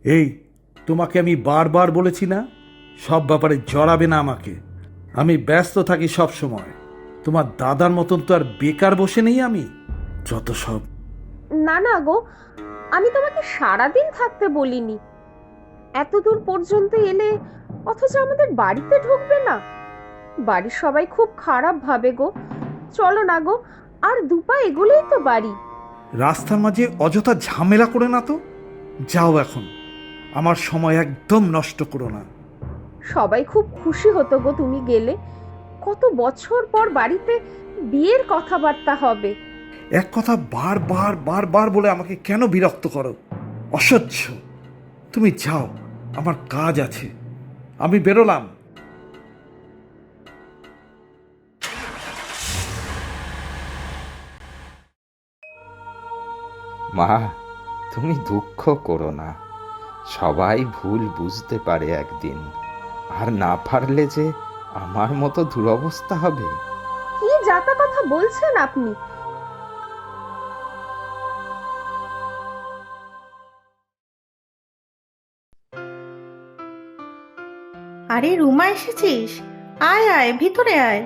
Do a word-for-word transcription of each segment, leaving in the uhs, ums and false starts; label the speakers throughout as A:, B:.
A: এই, তোমাকে আমি বারবার বলেছি না সব ব্যাপারে জড়াবে না আমাকে। আমি ব্যস্ত থাকি সব সময়। তোমার দাদার মতন তো আর বেকার বসে নেই আমি। যত সব।
B: না না গো, আমি তোমাকে সারাদিন থাকতে বলিনি। এত দূর পর্যন্ত এলে অথচ আমাদের বাড়িতে ঢুকবে না? বাড়ির সবাই খুব খারাপ ভাবে গো। চলো না গো, আর দুপা এগুলোই তো বাড়ি।
A: রাস্তার মাঝে অযথা ঝামেলা করে না তো। যাও এখন, আমার সময় একদম নষ্ট করো না।
B: সবাই খুব খুশি হতো গো তুমি গেলে। কত বছর পর বাড়িতে বিয়ের কথাবার্তা হবে।
A: এক কথা বারবার বারবার বলে আমাকে কেন বিরক্ত করো? অসহ্য। তুমি যাও, আমার কাজ আছে। আমি বেরোলাম।
C: মা, তুমি দুঃখ করো না। সবাই ভুল বুঝতে পারে একদিন, আর না পারলে যে আমার মতো দুরবস্থা হবে।
B: কি যাতা কথা বলছেন আপনি?
D: আরে রুমা, এসেছিস? আয় আয়, ভিতরে আয়।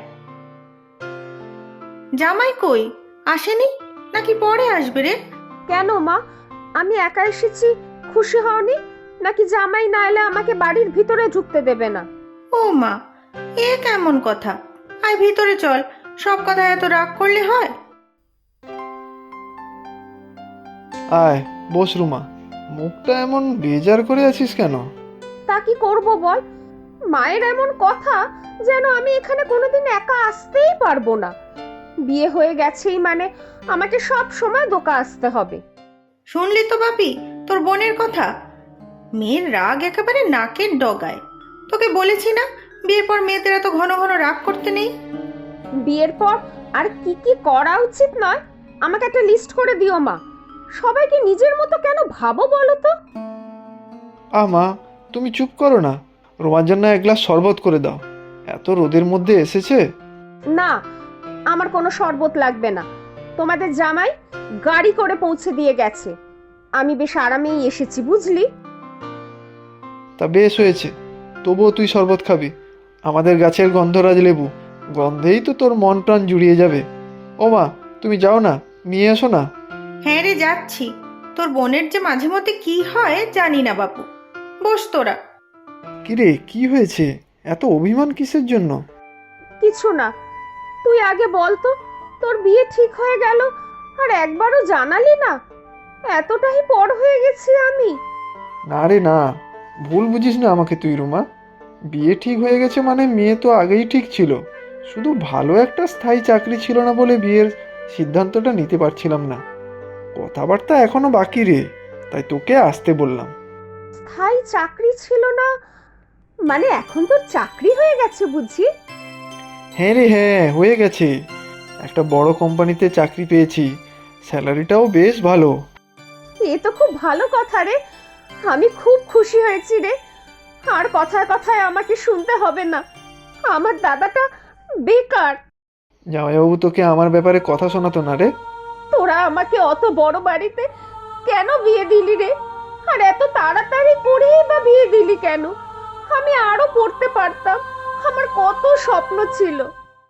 D: জামাই কই? আসেনি নাকি পরে আসবে রে?
B: কেন মা, আমি একা এসেছি, খুশি হওনি? নাকি জামাই না এলে আমাকে বাড়ির ভিতরে ঢুকতে দেবে না?
D: ও মা, এ কেমন কথা? আয় ভিতরে চল, সব কথা এত রাগ করলে হয়?
E: আয় বস রুমা। মুখটা এমন বেজার করে আছিস কেন?
B: তা কি করব বল? মায়ের এমন কথা যেন আমি এখানে কোনোদিন একা আসতেই পারবো না। বিয়ে হয়ে গেছেই মানে আমাকে সব সময় দোকা আসতে হবে।
D: শুনলি তো বাপি তোর বোনের কথা? মেয়ের রাগ একেবারে নাকের ডগায়। তোকে বলেছি না বিয়ের পর মেয়েদের এত ঘন ঘন রাগ করতে নেই।
B: বিয়ের পর আর কি কি করা উচিত নয় আমাকে একটা লিস্ট করে দিও মা। সবাইকে নিজের মতো কেন ভাবো বলো তো?
E: আ মা, তুমি চুপ করো না। রোমার জন্য এক গ্লাস শরবত করে দাও। এত রোদের মধ্যে এসেছে।
B: না, আমার কোনো শরবত লাগবে না। তোমাদের জামাই গাড়ি করে পৌঁছে দিয়ে গেছে। আমি বেশ আরামেই এসেছি, বুঝলি?
E: তা বেশ হয়েছে। তবুও তুই শরবত খাবি? আমাদের গাছের গন্ধরাজ লেবু, গন্ধেই তো তোর মন প্রাণ জুড়িয়ে যাবে। ও মা, তুমি যাও না, নিয়ে এসো না।
D: হ্যাঁ রে, যাচ্ছি। তোর বোনের যে মাঝে মধ্যে কি হয় জানি না বাপু। বস তোরা।
E: কিরে, কি হয়েছে? এত অভিমান কিসের জন্য?
B: কিছু না, তুই আগে বল তো, তোর বিয়ে ঠিক হয়ে গেল আর একবারও জানালি না? এতটাই পর হয়ে গেছি আমি।
E: না রে না, ভুল বুঝিস না আমাকে তুই রুমা। বিয়ে ঠিক হয়ে গেছে মানে মেয়ে তো আগেই ঠিক ছিল। শুধু ভালো একটা স্থায়ী চাকরি ছিল না বলে বিয়ের সিদ্ধান্তটা নিতে পারছিলাম না। কথাবার্তা এখনো বাকি রে, তাই তোকে আসতে বললাম।
B: স্থায়ী চাকরি ছিল না মানে এখন তোর চাকরি হয়ে গেছে বুঝি?
E: হ্যাঁ রে হ্যাঁ, হয়ে গেছে। একটা বড় কোম্পানিতে চাকরি পেয়েছি, স্যালারিটাও বেশ ভালো।
B: এ তো খুব ভালো কথা রে। আমি খুব খুশি হয়েছি রে। আর কথায় কথায় আমাকে শুনতে হবে না আমার দাদাটা বেকার।
E: জামাইবাবু তোকে আমার ব্যাপারে কথা শোনাতো না রে?
B: তোরা আমাকে অত বড় বাড়িতে কেন বিয়ে দিলি রে? আর এত তাড়াতাড়ি করেই বা বিয়ে দিলি কেন? আমি আরো পড়তে পারতাম, আমার কত স্বপ্ন ছিল।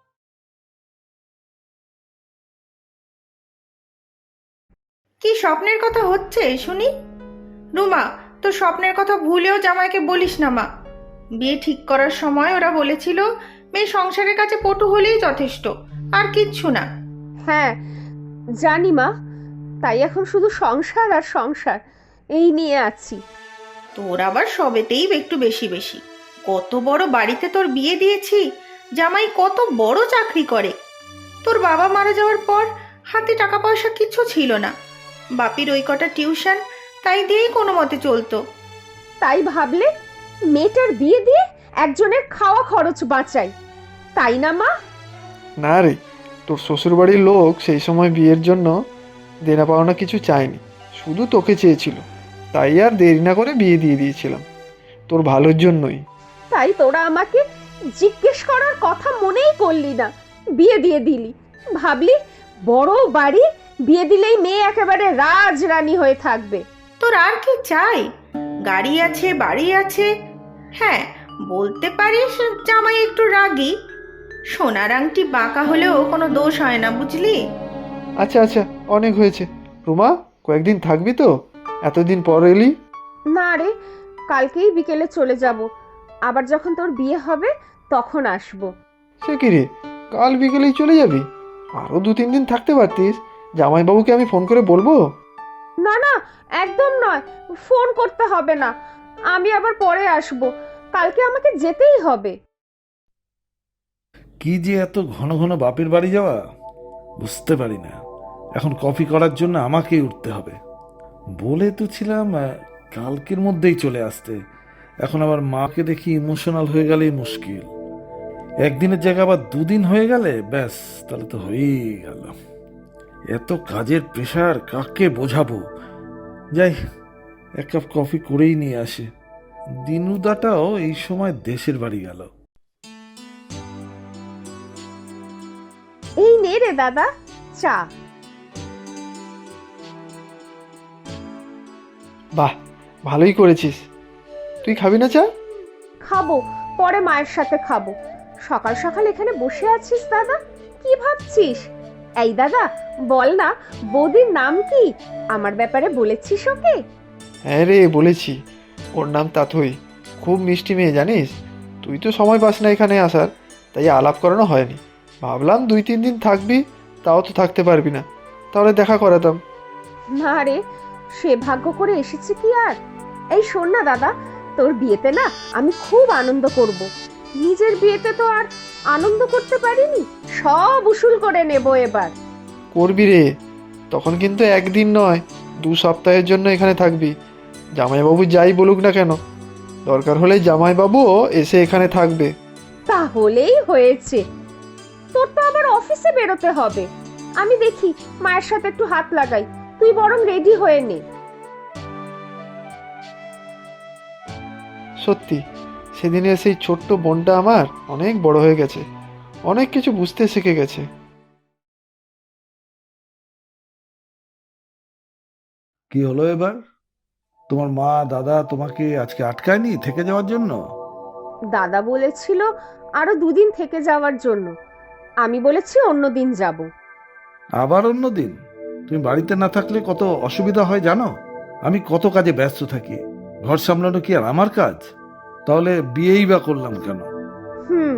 D: কি স্বপ্নের কথা হচ্ছে শুনি? রুমা, তোর স্বপ্নের কথা ভুলেও জামাইকে বলিস না মা। বিয়ে ঠিক করার সময় ওরা বলেছিল মেয়ে সংসারের কাছে পটু হলেই যথেষ্ট, আর কিচ্ছু না।
B: হ্যাঁ জানি মা, তাই এখন শুধু সংসার আর সংসার এই নিয়ে আছি।
D: তোর আবার সবেতেই একটু বেশি বেশি। কত বড় বাড়িতে তোর বিয়ে দিয়েছি, জামাই কত বড় চাকরি করে। তোর বাবা মারা যাওয়ার পর হাতে টাকা পয়সা কিছু ছিল না। বাপির ওই কটা টিউশন, তাই দিয়েই কোনো মতে চলতো।
B: তাই ভাবলে মেয়েটার বিয়ে দিয়ে একজনের খাওয়া খরচ বাঁচাই, তাই না মা?
E: না রে, তোর শ্বশুরবাড়ির লোক সেই সময় বিয়ের জন্য দেনা পাওনা কিছু চায়নি, শুধু তোকে চেয়েছিল। তাই আর দেরি না করে বিয়ে দিয়ে দিয়েছিলাম, তোর ভালোর জন্যই।
B: তাই তোরা আমাকে জিজ্ঞেস করার কথা মনেই করলি না, বিয়ে দিয়ে দিলি। ভাবলি বড় বাড়ি, বিয়ে দিলেই মেয়ে একেবারে রাজরানী হয়ে থাকবে।
D: তোর আর কি চাই? গাড়ি আছে, বাড়ি আছে। হ্যাঁ, বলতে পারিস জামাই একটু রাগী। সোনার আংটি বাঁকা হলেও কোনো দোষ হয় না, বুঝলি?
E: আচ্ছা আচ্ছা, অনেক হয়েছে। রুমা, কয়েকদিন থাকবি তো? এতদিন পর এলি।
B: না রে, কালকেই বিকেলে চলে যাব। আবার যখন তোর বিয়ে হবে তখন আসবো।
E: সে কি রে, কাল বিকেলেই চলে যাবি? আরও দু তিন দিন থাকতে পারতিস। জামাইবাবুকে আমি ফোন করে বলবো?
B: না না, একদম নয়, ফোন করতে হবে না। আমি আবার পরে আসবো, কালকে আমাকে যেতেই হবে।
A: কি যে এত ঘন ঘন বাপের বাড়ি যাওয়া, বুঝতে পারি না। এখন কফি করার জন্য আমাকেই উঠতে হবে। বলে তো ছিলাম আহ, কালকের মধ্যেই চলে আসতে। এখন আবার মাকে দেখি ইমোশনাল হয়ে গেলেই মুশকিল। একদিনের জায়গায় আবার দুদিন হয়ে গেলে ব্যাস, তাহলে তো হয়েই গেল। এত কাজের প্রেশার কাকে বোঝাবো? যাই, এক কাপ কফি করেই নিয়ে আসে। দিনুদাটাও এই সময় দেশের বাড়ি গেল।
B: এই নে রে দাদা, চা।
E: বাহ, ভালোই করেছিস। তুই খাবি না চা?
B: খাবো, পরে মায়ের সাথে খাবো। সকাল সকাল এখানে বসে আছিস দাদা, কি ভাবছিস? এই দাদা, বল না, বৌদির নাম কি? আমার ব্যাপারে বলেছিস ওকে?
E: হ্যাঁ রে, বলেছি। ওর নাম তাথই। খুব মিষ্টি মেয়ে, জানিস। তুই তো সময় পাস না এখানে আসার, তাই আলাপ করানো হয়নি। ভাবলাম দুই তিন দিন থাকবি, তাও তো থাকতে পারবি না, তাহলে দেখা করাতাম।
B: না রে, সে ভাগ্য করে এসেছে কি আর? এই শোন না দাদা, তোর বিয়েতে না আমি খুব আনন্দ করব। নিজের বিয়েতে তো আর আনন্দ করতে পারিনি, সব উসুল করে নেব এবার।
E: করবি রে, তখন কিন্তু একদিন নয়, দু সপ্তাহের জন্য এখানে থাকবি। জামাইবাবু যাই বলুক না কেন, দরকার হলে জামাইবাবুও এসে এখানে থাকবে।
B: তাহলেই হয়েছে। তোর তো আবার অফিসে বেরোতে হবে। আমি দেখি মায়ের সাথে একটু হাত লাগাই, তুই বরং রেডি হয়ে নে।
E: সত্যি, সেদিনের সেই ছোট্ট বোনটা আমার অনেক বড় হয়ে গেছে, অনেক কিছু বুঝতে শিখে গেছে।
A: কি হলো এবার? তোমার মা দাদা তোমাকে আজকে আটকায়নি থেকে যাওয়ার জন্য?
B: দাদা বলেছিল আরো দুদিন থেকে যাওয়ার জন্য, আমি বলেছি অন্য দিন যাব।
A: আবার অন্য দিন? তুমি বাড়িতে না থাকলে কত অসুবিধা হয় জানো? আমি কত কাজে ব্যস্ত থাকি। ঘর সামলানো কি আর আমার কাজ? তাহলে বিয়েই বা করলাম কেন?
B: হুম,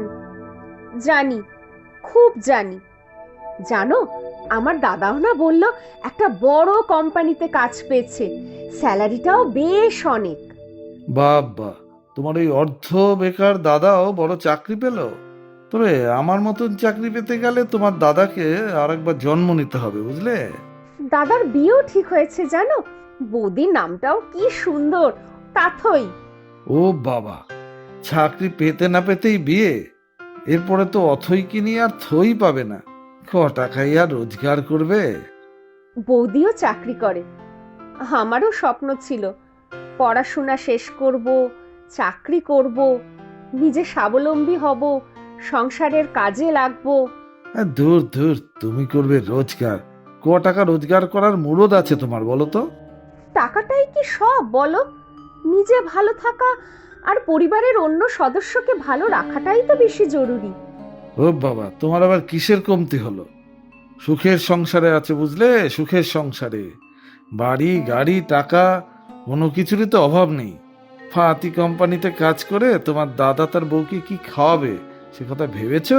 B: জানি, খুব জানি। জানো, আমার দাদাও না বলল একটা বড় কোম্পানিতে কাজ পেয়েছে, স্যালারিটাও বেশ অনেক।
A: বাবা, তোমার ওই অর্ধ বেকার দাদাও বড় চাকরি পেল? তবে আমার মতন চাকরি পেতে গেলে তোমার দাদাকে আরেকবার জন্ম নিতে হবে, বুঝলে?
B: দাদার বিয়েও ঠিক হয়েছে জানো, বৌদির নামটাও কি সুন্দর, তাথই।
A: ও বাবা, চাকরি পেতে না পেতেই বিয়ে? এরপরে তো অথই কিনি আর থই পাবে না। ক টাকাই আর রোজগার করবে?
B: বৌদিও চাকরি করে। আমারও স্বপ্ন ছিল পড়াশোনা শেষ করব, চাকরি করব, নিজে স্বাবলম্বী হব, সংসারের কাজে লাগবো।
A: আর দূর দূর, তুমি করবে রোজগার? ক টাকা রোজগার করার মুরদ আছে তোমার, বলো তো?
B: টাকাটাই কি সব বলো? নিজে ভালো থাকা আর পরিবারের অন্য সদস্যকে ভালো রাখাটাই তো বেশি জরুরি।
A: ও বাবা, তোমার আবার কিসের কমতি হলো? সুখের সংসারে আছে, বুঝলে? সুখের সংসারে বাড়ি গাড়ি টাকা কোনো কিছুরই তো অভাব নেই। ফাতি কোম্পানিতে কাজ করে তোমার দাদা তার বউকে কি খাওয়াবে সে কথা ভেবেছো?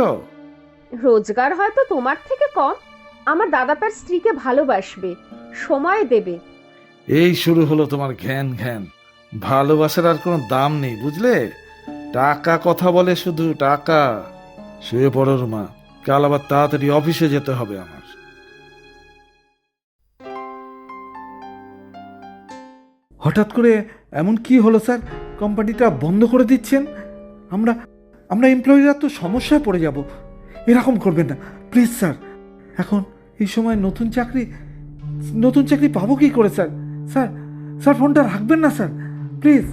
B: রোজগার হয়তো তোমার থেকে কম, আমার দাদা তার স্ত্রীকে ভালোবাসবে, সময় দেবে।
A: এই শুরু হলো তোমার ঘ্যান ঘ্যান। ভালোবাসার আর কোনো দাম নেই, বুঝলে? টাকা কথা বলে শুধু টাকা। শুয়ে পড়ো রুমা, কাল আবার তাড়াতাড়ি অফিসে যেতে হবে আমার। হঠাৎ করে এমন কি হলো স্যার? কোম্পানিটা বন্ধ করে দিচ্ছেন? আমরা আমরা এমপ্লয়িরা তো সমস্যায় পড়ে যাব। এরকম করবেন না প্লিজ স্যার। এখন এই সময় নতুন চাকরি নতুন চাকরি পাবো কি করে স্যার? স্যার স্যার ফোনটা রাখবেন না স্যার, প্লিজ।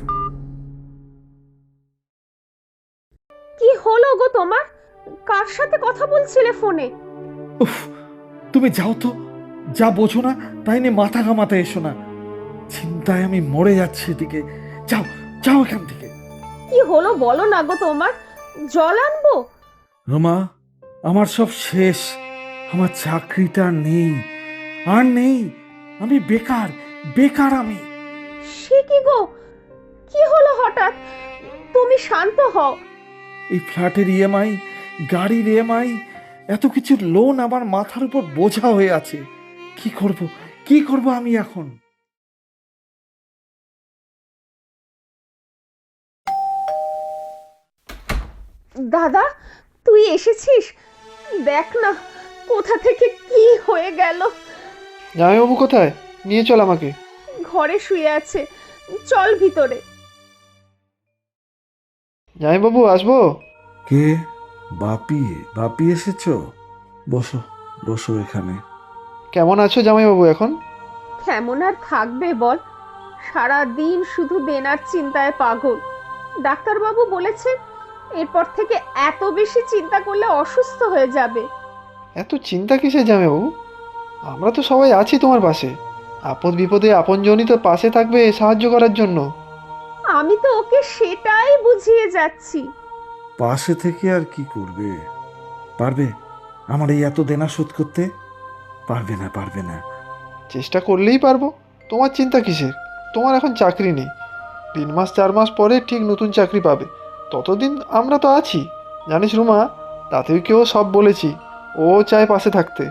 B: কি হলো গো তোমার? কার সাথে কথা বলছিলে ফোনে?
A: উফ, তুমি যাও তো, যা বোঝো না তাই নিয়ে মাথা ঘামাতে এসো না। চিন্তায় আমি মরে যাচ্ছি, এদিকে যাও যাও এখান থেকে।
B: কি হলো বলো না গো তোমার? জল আনবো?
A: রোমা, আমার সব শেষ। আমার চাকরিটা নেই, আর নেই। আমি বেকার, বেকার আমি।
B: সে কি গো, কি হলো হঠাৎ? তুমি শান্ত হও।
A: এই ফ্ল্যাটের ইএমআই, গাড়ির ইএমআই, এত কিছু লোন আমার মাথার উপর বোঝা হয়ে আছে। কি করব, কি করব আমি এখন?
B: দাদা, তুই এসেছিস? দেখ না কোথা থেকে কি হয়ে গেল।
E: জামাইবাবু কোথায়? নিয়ে চল আমাকে।
B: ঘরে শুয়ে আছে, চল ভিতরে।
E: জামাইবাবু আসবো?
A: কে? বাপি? বাপি এসেছো? বসো, বসো এখানে।
E: কেমন আছো জামাইবাবু এখন?
B: কেমন আর থাকবে বল, সারা দিন শুধু দেনার চিন্তায় পাগল। ডাক্তারবাবু বলেছেন এরপর থেকে এত বেশি চিন্তা করলে অসুস্থ হয়ে যাবে।
E: এত চিন্তা কিসের জামাইবাবু? আমরা তো সবাই আছি তোমার পাশে। আপদ বিপদে আপনজনই তো পাশে থাকবে সাহায্য করার জন্য।
B: আমি তো ওকে সেটাই বুঝিয়ে যাচ্ছি।
A: পাশে থেকে আর কি করবে? পারবে আমার এই এত দেনা শোধ করতে? পারবে না, পারবে না।
E: চেষ্টা করলেই পারবো। তোমার চিন্তা কিসের? তোমার এখন চাকরি নেই, তিন মাস চার মাস পরে ঠিক নতুন চাকরি পাবে। ততদিন আমরা তো আছি, জানিস রুমা। তাতেও সব বলেছি, ও চায় পাশে থাকতে।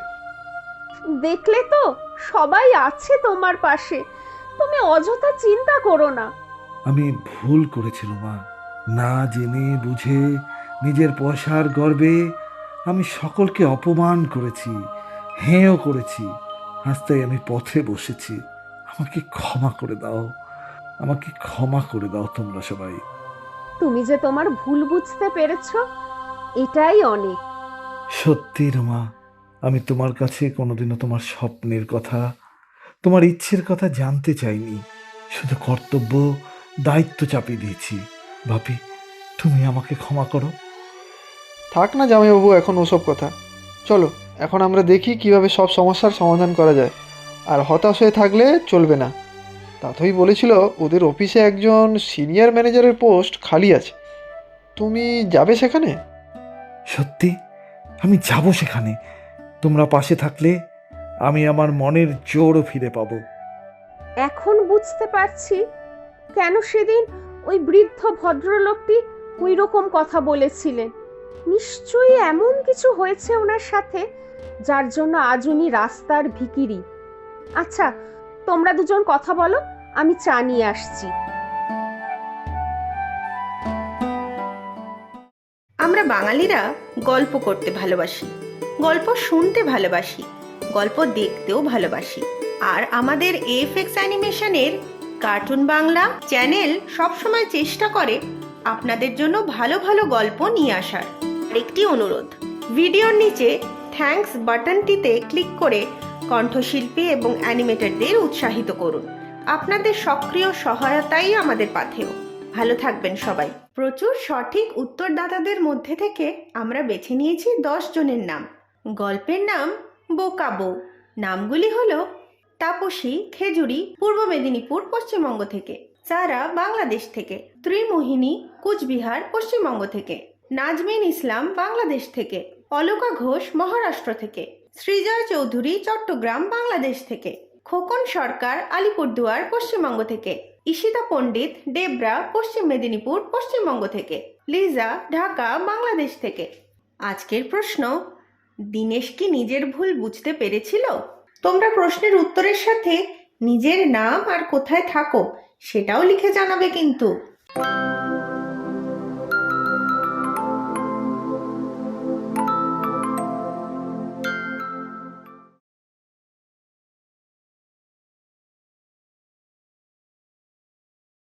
B: দেখলে তো, সবাই আছে তোমার পাশে, তুমি অযথা চিন্তা করো না।
A: আমি ভুল করেছিলাম মা, না জেনে বুঝে নিজের পয়সার গর্বে আমি সকলকে অপমান করেছি, হেঁও করেছি। আজ তাই আমি পথে বসেছি। আমাকে ক্ষমা করে দাও, আমাকে ক্ষমা করে দাও তোমরা সবাই।
B: তুমি যে তোমার ভুল বুঝতে পেরেছো, এটাই অনেক।
A: সত্যি রোমা, আমি তোমার কাছে কোনোদিনও তোমার স্বপ্নের কথা, তোমার ইচ্ছের কথা জানতে চাইনি। শুধু কর্তব্য, দায়িত্ব চাপিয়ে দিয়েছি। ভাবি, তুমি আমাকে ক্ষমা করো।
E: থাক না জামাইবাবু এখন ওসব কথা। চলো এখন আমরা দেখি কিভাবে সব সমস্যার সমাধান করা যায়। আর হতাশ হয়ে থাকলে চলবে না। তাতই বলেছিল ওদের অফিসে একজন সিনিয়র ম্যানেজারের পোস্ট খালি আছে, তুমি যাবে সেখানে?
A: সত্যি আমি যাব সেখানে। তোমরা পাশে থাকলে আমি আমার মনের জোরও ফিরে পাবো।
B: এখন বুঝতে পারছি কেন সেদিন ওই বৃদ্ধ ভদ্রলোকটি ওই রকম কথা বলেছিলেন। নিশ্চয়ই এমন কিছু হয়েছে ওনার সাথে যার জন্য আজ উনি রাস্তার ভিখিরি। আচ্ছা, তোমরা দুজন কথা বলো, আমি চা নিয়ে আসছি।
D: আমরা বাঙালিরা গল্প করতে ভালোবাসি, গল্প শুনতে ভালোবাসি, গল্প দেখতেও ভালোবাসি। আর আমাদের এফএক্স অ্যানিমেশনের কার্টুন বাংলা চ্যানেল সবসময় চেষ্টা করে আপনাদের জন্য ভালো ভালো গল্প নিয়ে আসার। একটি অনুরোধ, ভিডিওর নিচে থ্যাঙ্কস বাটনটিতে ক্লিক করে কণ্ঠশিল্পী এবং অ্যানিমেটরদের উৎসাহিত করুন। আপনাদের সক্রিয় সহায়তাই আমাদের পাথেয়। ভালো থাকবেন সবাই। প্রচুর সঠিক উত্তরদাতাদের মধ্যে থেকে আমরা বেছে নিয়েছি দশ জনের নাম। গল্পের নাম বোকা বউ। নামগুলি হলো তাপসী খেজুরি, পূর্ব মেদিনীপুর পশ্চিমবঙ্গ থেকে; সারা বাংলাদেশ থেকে; ত্রিমোহিনী কুচবিহার পশ্চিমবঙ্গ থেকে; নাজমিন ইসলাম বাংলাদেশ থেকে; অলকা ঘোষ মহারাষ্ট্র থেকে; সৃজয় চৌধুরী চট্টগ্রাম বাংলাদেশ থেকে; খোকন সরকার আলিপুরদুয়ার পশ্চিমবঙ্গ থেকে; ঈশিতা পণ্ডিত ডেবরা পশ্চিম মেদিনীপুর পশ্চিমবঙ্গ থেকে; লিজা ঢাকা বাংলাদেশ থেকে। আজকের প্রশ্ন, দিনেশ কি নিজের ভুল বুঝতে পেরেছিল? তোমরা প্রশ্নের উত্তরের সাথে নিজের নাম আর কোথায় থাকো সেটাও লিখে জানাবে কিন্তু।